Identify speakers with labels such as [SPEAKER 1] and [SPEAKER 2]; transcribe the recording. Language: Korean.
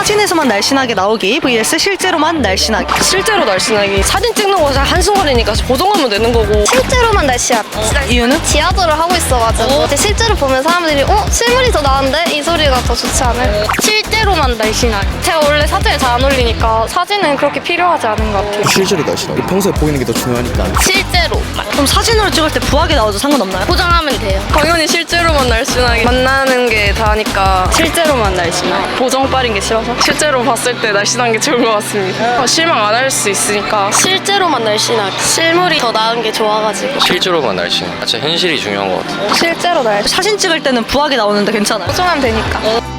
[SPEAKER 1] 사진에서만 날씬하게 나오기 vs 실제로만 날씬하기.
[SPEAKER 2] 실제로 날씬하기. 사진 찍는 거 한순간이니까 보정하면 되는 거고.
[SPEAKER 3] 실제로만 날씬하기.
[SPEAKER 1] 이유는?
[SPEAKER 3] 지하도를 하고 있어가지고 이제 실제로 보면 사람들이 실물이 더 나은데? 이 소리가 더 좋지 않을까? 실제로만 날씬하기. 제가 원래 사진을 잘 안 올리니까 사진은 그렇게 필요하지 않은 것 같아요.
[SPEAKER 4] 실제로 날씬하게. 평소에 보이는 게 더 중요하니까.
[SPEAKER 3] 실제로만.
[SPEAKER 1] 그럼 사진으로 찍을 때 부하게 나와도 상관없나요?
[SPEAKER 3] 보정하면 돼요.
[SPEAKER 2] 당연히 실제로만 날씬하게. 만나는 게 다니까 실제로만 날씬하게. 보정 빠린 게 싫어서. 실제로 봤을 때 날씬한 게 좋은 것 같습니다. 실망 안 할 수 있으니까.
[SPEAKER 3] 실제로만 날씬하기. 실물이 더 나은 게 좋아가지고.
[SPEAKER 5] 실제로만 날씬. 진짜 현실이 중요한 것 같아요.
[SPEAKER 3] 실제로 날씬.
[SPEAKER 1] 사진 찍을 때는 부하게 나오는데 괜찮아요?
[SPEAKER 3] 보정하면 되니까.